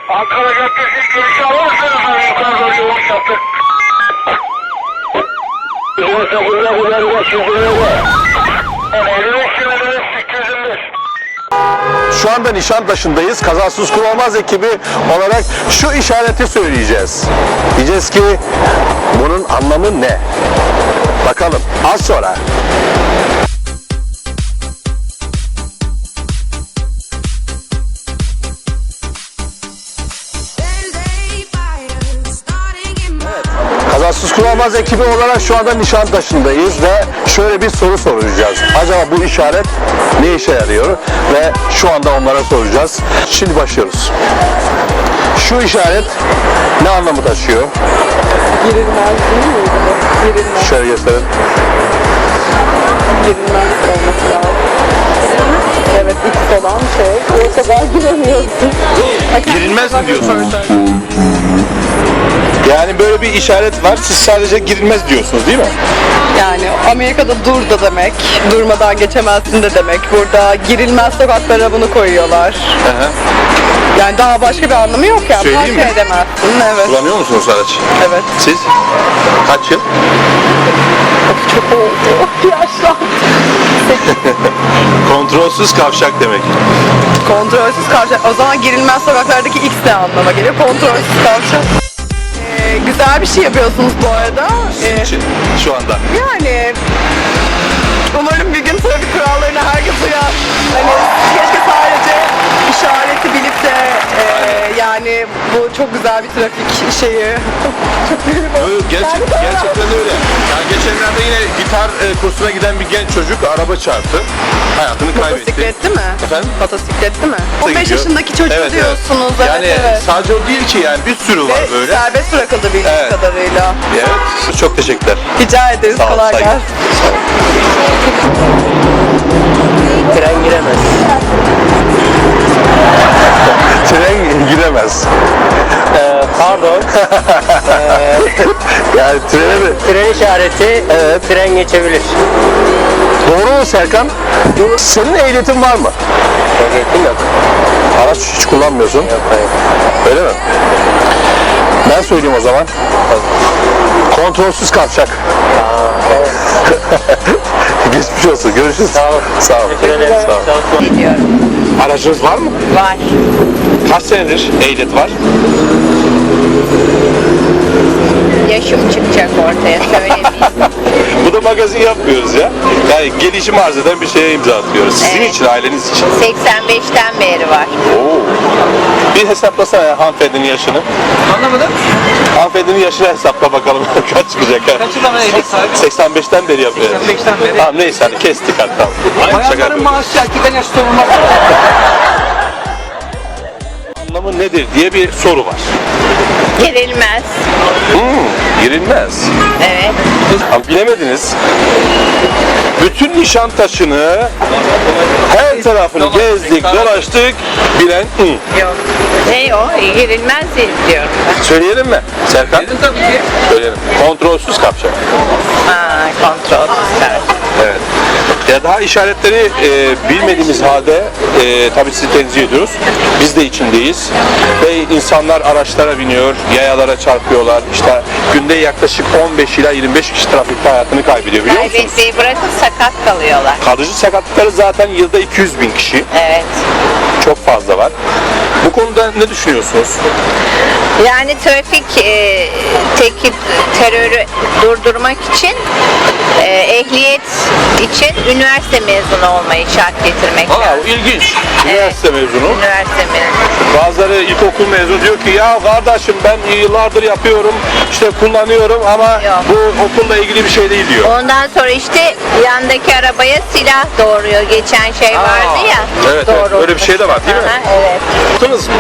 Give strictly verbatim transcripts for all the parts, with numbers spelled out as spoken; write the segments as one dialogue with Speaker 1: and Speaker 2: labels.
Speaker 1: Ankara Caddesi girişi alır mısınız? Yukarı doğru yolmuş yaptık. Yine sakınca kullanma çözümüne. elli beş kilometre sekiz yüz beş.
Speaker 2: Şu anda Nişantaşı'ndayız. Kazasız Kullanmaz ekibi olarak şu işareti söyleyeceğiz. Diyeceğiz ki bunun anlamı ne? Bakalım az sonra. Kazasız Kullanmaz ekibi olarak şu anda Nişantaşı'ndayız ve şöyle bir soru soracağız. Acaba bu işaret ne işe yarıyor? Ve şu anda onlara soracağız. Şimdi başlıyoruz. Şu işaret ne anlamı taşıyor?
Speaker 3: Girilmez değil mi? Girilmez.
Speaker 2: Şöyle gösterin.
Speaker 3: Girilmez olması lazım. Evet, X olan şey. Yoksa ben giremiyorsun.
Speaker 2: Girilmez mi diyorsunuz? Yani böyle bir işaret var. Siz sadece girilmez diyorsunuz değil mi?
Speaker 3: Yani Amerika'da dur da demek, durmadan geçemezsin de demek. Burada girilmez sokaklara bunu koyuyorlar.
Speaker 2: Hı hı.
Speaker 3: Yani daha başka bir anlamı yok yani.
Speaker 2: Söyleyeyim
Speaker 3: Park
Speaker 2: mi?
Speaker 3: edemezsin, evet.
Speaker 2: Kullanıyor musunuz araç?
Speaker 3: Evet.
Speaker 2: Siz? Kaç yıl?
Speaker 3: Çok oldu. Yaşlandım.
Speaker 2: Kontrolsüz kavşak demek.
Speaker 3: Kontrolsüz kavşak. O zaman girilmez sokaklardaki X ne anlama geliyor? Kontrolsüz kavşak. Ee, güzel bir şey yapıyorsunuz bu arada. Ee,
Speaker 2: için şu anda.
Speaker 3: yani umarım bir gün trafik kurallarına herkes uyar. Hani keşke sadece işareti bilip de e, yani bu çok güzel bir trafik şeyi. Çok büyük bir-
Speaker 2: Öyle, gerçek, gerçekten öyle. Yani geçenlerde yine gitar e, kursuna giden bir genç çocuk araba çarptı. Hayatını kaybetti.
Speaker 3: Motosikletli mi?
Speaker 2: Efendim?
Speaker 3: Motosikletli mi? on beş
Speaker 2: Gidiyor.
Speaker 3: yaşındaki çocuğu
Speaker 2: Evet, evet.
Speaker 3: diyorsunuz. Evet,
Speaker 2: Yani
Speaker 3: evet.
Speaker 2: sadece o değil ki yani bir sürü var
Speaker 3: Ve
Speaker 2: böyle.
Speaker 3: serbest bırakıldı bildiğim
Speaker 2: Evet.
Speaker 3: kadarıyla.
Speaker 2: Evet. Çok teşekkürler.
Speaker 3: Rica ederiz.
Speaker 2: Sağ olun,
Speaker 3: Kolay
Speaker 2: saygı.
Speaker 3: gelsin.
Speaker 4: Tren giremez.
Speaker 2: Tren giremez.
Speaker 4: Ee, pardon.
Speaker 2: Yani trene mi?
Speaker 4: Tren işareti.
Speaker 2: Evet.
Speaker 4: Tren geçebilir.
Speaker 2: Doğru mu Serkan? Senin ehliyetin var mı?
Speaker 4: Ehliyetim yok.
Speaker 2: Araç hiç kullanmıyorsun.
Speaker 4: Yok, hayır.
Speaker 2: Öyle mi? Ben söyleyeyim o zaman. Kontrolsüz kavşak. Geçmiş olsun. Görüşürüz.
Speaker 4: Sağ ol.
Speaker 2: Sağ ol.
Speaker 4: Teşekkür ederim.
Speaker 2: Sağ ol.
Speaker 4: Sağ ol.
Speaker 5: Biliyorum.
Speaker 2: Aracınız var mı?
Speaker 5: Var.
Speaker 2: Kaç senedir ehliyet var?
Speaker 5: Yaşım çıkacak ortaya söylemeyeyim.
Speaker 2: Bu da magazin yapmıyoruz ya. Yani gelişim arz eden bir şeye imza atıyoruz. Sizin
Speaker 5: Evet.
Speaker 2: için, aileniz için.
Speaker 5: seksen beşten beri var.
Speaker 2: Oo. Bir hesaplasana ya hanımefendinin yaşını.
Speaker 6: Anlamadım.
Speaker 2: Hanımefendinin yaşını hesapla bakalım kaç çıkacak. ha?
Speaker 6: Kaç yıldan beri ehliyet sahibi?
Speaker 2: seksen beşten beri yapıyor.
Speaker 6: seksen beşten beri.
Speaker 2: Tamam neyse hadi kestik hatta. Şaka
Speaker 6: Bayanların
Speaker 2: yapıyorum.
Speaker 6: maaşı erkekten yaşlı olmaz.
Speaker 2: Anlamı nedir diye bir soru var.
Speaker 5: Girilmez.
Speaker 2: Hmm, girilmez.
Speaker 5: Evet.
Speaker 2: Ama bilemediniz. Bütün Nişantaşı'nı her tarafını gezdik, dolaştık. Bilen hı.
Speaker 5: Yok. Ne o? Girilmez diyorum ben.
Speaker 2: Söyleyelim mi? Serkan?
Speaker 6: Dedim tabii ki.
Speaker 2: Söyleyelim. Kontrolsüz kavşak.
Speaker 5: Ha, kontrol.
Speaker 2: Evet. Ya daha işaretleri e, bilmediğimiz halde e, tabii sizi tenzih ediyoruz. Biz de içindeyiz. Ve insanlar araçlara biniyor, yayalara çarpıyorlar. İşte günde yaklaşık on beş ila yirmi beş kişi trafikte hayatını kaybediyor biliyor musunuz?
Speaker 5: Kaybetmeyi bırakıp sakat kalıyorlar.
Speaker 2: Kalıcı sakatlıkları zaten yılda iki yüz bin kişi.
Speaker 5: Evet.
Speaker 2: Çok fazla var. Bu konuda ne düşünüyorsunuz?
Speaker 5: Yani trafik e, teki terörü durdurmak için e, ehliyet için üniversite mezunu olmayı şart getirmek
Speaker 2: Aa,
Speaker 5: lazım.
Speaker 2: ilginç. Üniversite mezunu.
Speaker 5: Üniversite mezunu.
Speaker 2: Bazıları ilkokul mezunu diyor ki ya kardeşim ben yıllardır yapıyorum, işte kullanıyorum ama
Speaker 5: Yok.
Speaker 2: bu okulla ilgili bir şey değil diyor.
Speaker 5: Ondan sonra işte yandaki arabaya silah doğuruyor. Geçen şey
Speaker 2: Aa,
Speaker 5: vardı ya.
Speaker 2: evet, evet, öyle bir şey de var değil mi?
Speaker 5: Aha, evet.
Speaker 2: Yaptınız mı?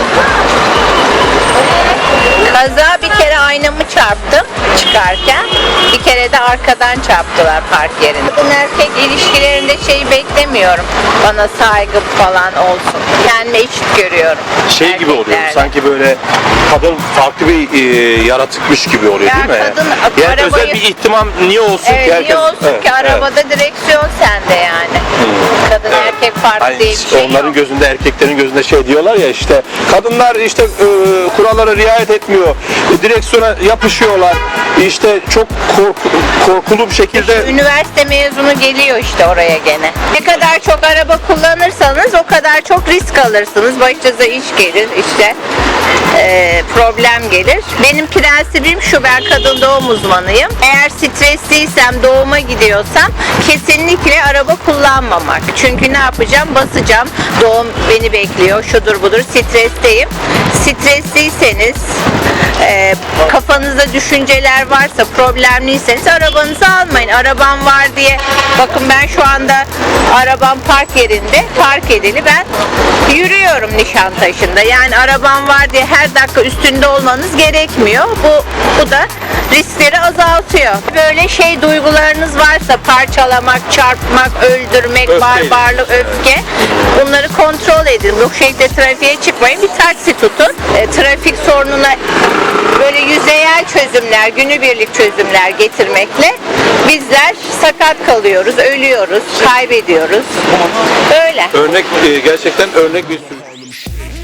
Speaker 5: Kaza bir kere aynamı çarptım çıkarken. Bir kere de arkadan çarptılar park yerinde. Kadın erkek ilişkilerinde şey beklemiyorum. Bana saygı falan olsun. Kendime eşit görüyorum.
Speaker 2: Şey gibi oluyor,
Speaker 5: erkeklerle.
Speaker 2: sanki böyle kadın farklı bir e, yaratıkmış gibi oluyor
Speaker 5: Ya
Speaker 2: değil mi?
Speaker 5: kadın
Speaker 2: Yani
Speaker 5: arabayı-
Speaker 2: özel bir ihtimam niye olsun
Speaker 5: Evet,
Speaker 2: ki herkes?
Speaker 5: niye olsun
Speaker 2: Evet,
Speaker 5: ki
Speaker 2: evet.
Speaker 5: arabada direksiyon sende yani. Kadın
Speaker 2: Evet.
Speaker 5: erkek farkı
Speaker 2: Hani
Speaker 5: diye bir şey
Speaker 2: onların
Speaker 5: yok.
Speaker 2: gözünde, erkeklerin gözünde şey diyorlar ya işte kadınlar işte e, kurallara riayet etmiyor, direksiyona yapışıyorlar, işte çok korku, korkulu bir şekilde.
Speaker 5: Üniversite mezunu geliyor işte oraya gene. Ne kadar çok araba kullanırsanız o kadar çok risk alırsınız. Başınıza iş gelir işte e, problem gelir. Benim prensibim şu, ben kadın doğum uzmanıyım. Eğer stresliysem, doğuma gidiyorsam kesinlikle araba kullanmamak. Çünkü ne yapacağım? Basacağım. Doğum beni bekliyor. Şudur budur. Stresteyim. Stresliyseniz, e, kafanızda düşünceler varsa, problemliyseniz arabanızı almayın. Arabam var diye, bakın ben şu anda arabam park yerinde, park edili, ben yürüyorum Nişantaşı'nda. Yani arabam var diye her dakika üstünde olmanız gerekmiyor. Bu, bu da riskleri azaltıyor. Böyle şey duygularınız varsa, parçalamak, çarpmak, öldürmek,
Speaker 2: Öfkeyle.
Speaker 5: barbarlık, öfke, bunları kontrol edin. Bu şekilde trafiğe çıkmayın. Bir taksi tutun. E, trafik sorununa böyle yüzeyel çözümler, günübirlik çözümler getirmekle bizler sakat kalıyoruz, ölüyoruz, kaybediyoruz. Öyle.
Speaker 2: Örnek e, gerçekten örnek bir sürücü.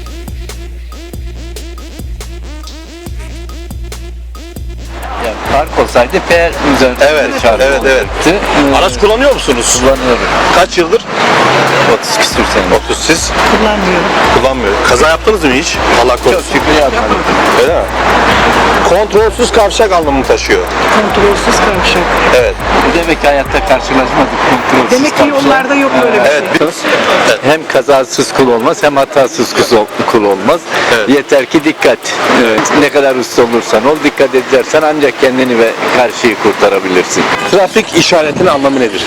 Speaker 6: Yani park olsaydı P R üzerinde
Speaker 2: Evet,
Speaker 6: çarpı
Speaker 2: evet, evet.
Speaker 6: olacaktı. Ee,
Speaker 2: Araç kullanıyor musunuz?
Speaker 6: kullanıyorum.
Speaker 2: Kaç yıldır?
Speaker 6: otuz küsür sene.
Speaker 2: otuz siz? Kullanmıyorum. Kullanmıyor. Kaza yaptınız mı hiç? Allah
Speaker 6: Çok
Speaker 2: korusun.
Speaker 6: şükür yapmadım.
Speaker 2: Öyle mi? Kontrolsüz kavşak anlamını taşıyor.
Speaker 7: Kontrolsüz kavşak.
Speaker 2: Evet.
Speaker 6: Demek ki hayatta karşılaşmadık kontrolsüz
Speaker 7: Demek ki
Speaker 6: kavşak.
Speaker 7: yollarda yok böyle bir
Speaker 2: Evet.
Speaker 7: şey.
Speaker 2: bir-
Speaker 6: Hem kazasız kul olmaz hem hatasız kul- kul olmaz.
Speaker 2: Evet.
Speaker 6: Yeter ki dikkat. Evet. Ne kadar usta olursan ol, dikkat edersen ancak kendini ve karşıyı kurtarabilirsin.
Speaker 2: Trafik işaretinin anlamı nedir?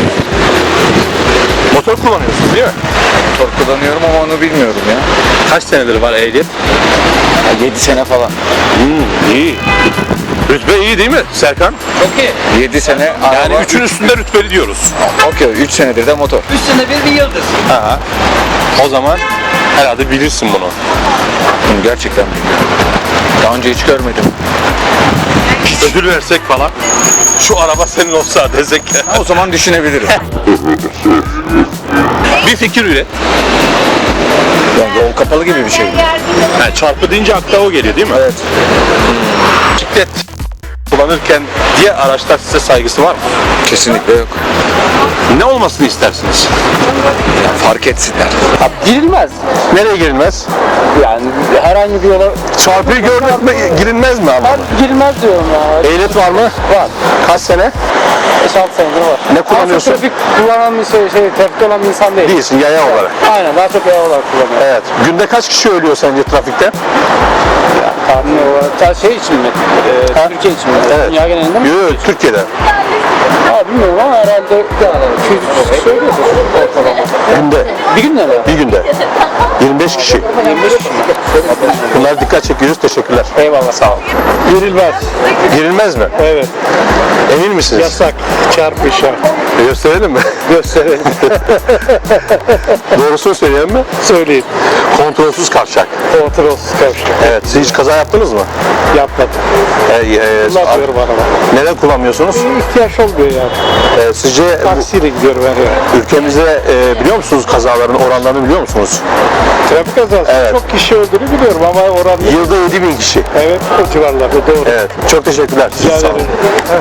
Speaker 2: Motor kullanıyorsunuz değil mi?
Speaker 6: Motor kullanıyorum ama onu bilmiyorum ya.
Speaker 2: Kaç senedir var ehliyet?
Speaker 6: yedi sene falan.
Speaker 2: Hmm, iyi. Rütbe iyi değil mi Serkan?
Speaker 6: Çok iyi. yedi sene
Speaker 2: Yani
Speaker 6: araba,
Speaker 2: üçün üstünde rütbeli diyoruz.
Speaker 6: Okey, üç senedir de motor.
Speaker 7: Üç sene bir bir yıldız.
Speaker 2: Ha. O zaman herhalde bilirsin bunu.
Speaker 6: Gerçekten bilmiyorum. Daha önce hiç görmedim.
Speaker 2: Ödül versek falan. Şu araba senin olsa desek.
Speaker 6: O zaman düşünebilirim.
Speaker 2: Bir fikir üret.
Speaker 6: Yani yol kapalı gibi bir şey.
Speaker 2: Yani çarpı deyince akla o geliyor değil mi?
Speaker 6: Evet.
Speaker 2: Bisiklet kullanırken diğer araçlar size saygısı var mı?
Speaker 6: Kesinlikle yok.
Speaker 2: Ne olmasını istersiniz?
Speaker 6: Yani fark etsinler.
Speaker 2: Girilmez. Nereye girilmez?
Speaker 8: Yani herhangi bir yola
Speaker 2: Çarpıyı görmek mi, girilmez mi ama?
Speaker 8: girilmez diyorum ya.
Speaker 2: Ehliyet var mı? Var. Kaç sene?
Speaker 8: beş altı senedir var.
Speaker 2: Ne kullanıyorsun?
Speaker 8: Aslında trafik kullanan bir şey, şey trafikte olan bir insan değil.
Speaker 2: Değilsin, yaya olarak.
Speaker 8: Aynen, daha çok yaya olarak kullanıyor.
Speaker 2: Evet. Günde kaç kişi ölüyor sence trafikte?
Speaker 8: Tahmin olarak. Ta şey için mi? Ee,
Speaker 2: Ha?
Speaker 8: Türkiye için mi?
Speaker 2: Evet.
Speaker 8: Dünya genelinde mi?
Speaker 2: Yok, yok, Türkiye'de.
Speaker 8: Aa, bilmiyorum ama herhalde yani iki yüz üç yüz kişi söylüyordur ortalama.
Speaker 2: Günde.
Speaker 8: Bir günde mi?
Speaker 2: Bir günde. yirmi beş kişi.
Speaker 8: yirmi beş kişi mi?
Speaker 2: Bunlar dikkat çekiyoruz. Teşekkürler.
Speaker 8: Eyvallah, sağ ol.
Speaker 2: Girilmez. Girilmez mi?
Speaker 8: Evet.
Speaker 2: Emin misiniz?
Speaker 8: Yasak. Çarpı işaret.
Speaker 2: Gösterelim mi?
Speaker 8: Gösterelim.
Speaker 2: Doğrusunu söyleyelim mi?
Speaker 8: Söyleyin.
Speaker 2: Kontrolsüz kavşak.
Speaker 8: Kontrolsüz kavşak.
Speaker 2: Evet. Siz hiç kaza yaptınız mı?
Speaker 8: Yapmadım.
Speaker 2: E, e,
Speaker 8: Kullanmıyorum araba.
Speaker 2: Neden kullanmıyorsunuz?
Speaker 8: İhtiyaç olmuyor yani.
Speaker 2: E, sizce bu
Speaker 8: Taksiyle gidiyorum her yere.
Speaker 2: ülkemizde e, biliyor musunuz kazaların oranlarını biliyor musunuz?
Speaker 8: Trafik kazası
Speaker 2: Evet.
Speaker 8: çok kişi öldüğünü biliyorum ama oran
Speaker 2: Yılda yedi bin kişi.
Speaker 8: evet o civarlarda doğru.
Speaker 2: Evet. Çok teşekkürler.
Speaker 8: Rica
Speaker 2: Sağ olun.
Speaker 8: ederim.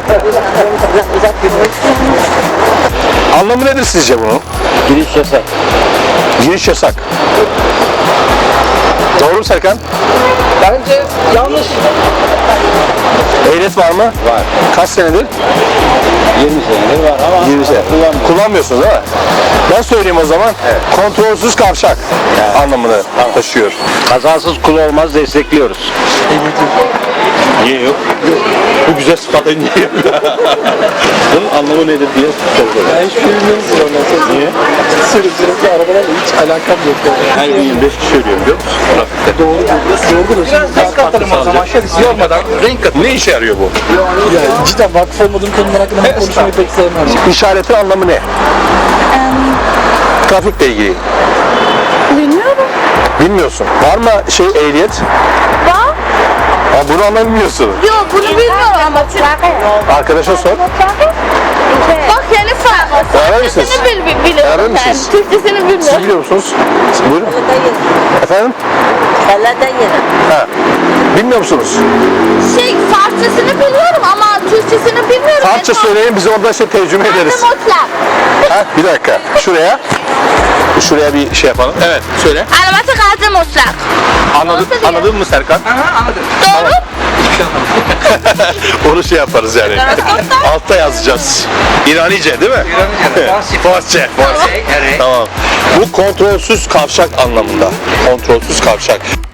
Speaker 2: Anlamı nedir sizce bunun?
Speaker 8: Giriş yasak.
Speaker 2: Giriş yasak. Doğru mu Serkan?
Speaker 8: Bence yanlış.
Speaker 2: Ehliyet var mı? Var. Kaç senedir?
Speaker 8: yirmi senedir var ama
Speaker 2: yirmi sene.
Speaker 8: kullanmıyorum.
Speaker 2: Kullanmıyorsunuz değil mi? Ben söyleyeyim o zaman. Kontrolsüz kavşak anlamını taşıyor.
Speaker 6: Kazasız kul olmaz, destekliyoruz.
Speaker 2: Niye yok? Bu güzel sıfatı niye yok? Bunun anlamı nedir diye soruyorum.
Speaker 8: Ben hiç bilmiyorum bunu.
Speaker 2: Niye?
Speaker 8: Sürücülükle arabalarla hiç alakam yok.
Speaker 2: Her gün yirmi beş kişi ölüyor biliyor musun? Trafikte.
Speaker 8: Doğru diyorsun. Biraz renk katalım o zaman.
Speaker 2: Yormadan renk katı. Ne işe yarıyor bu?
Speaker 8: Yani cidden vakıf olmadığım konular hakkında ben konuşmayı pek sevmem.
Speaker 2: İşaretin anlamı ne? Trafikle ilgili.
Speaker 9: Bilmiyorum.
Speaker 2: Bilmiyorsun. Var mı şey ehliyet?
Speaker 9: Var.
Speaker 2: Aa, bunu anlamıyorsun.
Speaker 5: Yok bunu bilmiyorum ama
Speaker 2: Arkadaşa sor.
Speaker 5: bak yani farklı.
Speaker 2: Öğrenir misiniz?
Speaker 5: Türkçesini bil, biliyorum
Speaker 2: Öğrenir
Speaker 5: ben.
Speaker 2: misiniz?
Speaker 5: Türkçesini
Speaker 2: Siz
Speaker 5: bilmiyorum.
Speaker 2: biliyor musunuz? Buyurun. Efendim? Ha. Bilmiyor musunuz?
Speaker 5: Şey Farsçasını biliyorum ama Türkçesini bilmiyorum.
Speaker 2: Farsça söyleyin, biz ondan şey tercüme ederiz.
Speaker 5: Mutlak.
Speaker 2: Ha, bir dakika. Şuraya. Şuraya bir şey yapalım. Evet, söyle.
Speaker 5: Arabatı gazi mutlak.
Speaker 2: Anladın,
Speaker 5: Nasıl diyor?
Speaker 2: anladın mı Serkan?
Speaker 7: Aha anladım.
Speaker 5: Doğru.
Speaker 2: Onu şey yaparız yani. Altta yazacağız. İranice değil mi?
Speaker 7: İranice, Farsça.
Speaker 2: Farsça. Farsça.
Speaker 7: Evet.
Speaker 2: Tamam. Bu kontrolsüz kavşak anlamında. Kontrolsüz kavşak.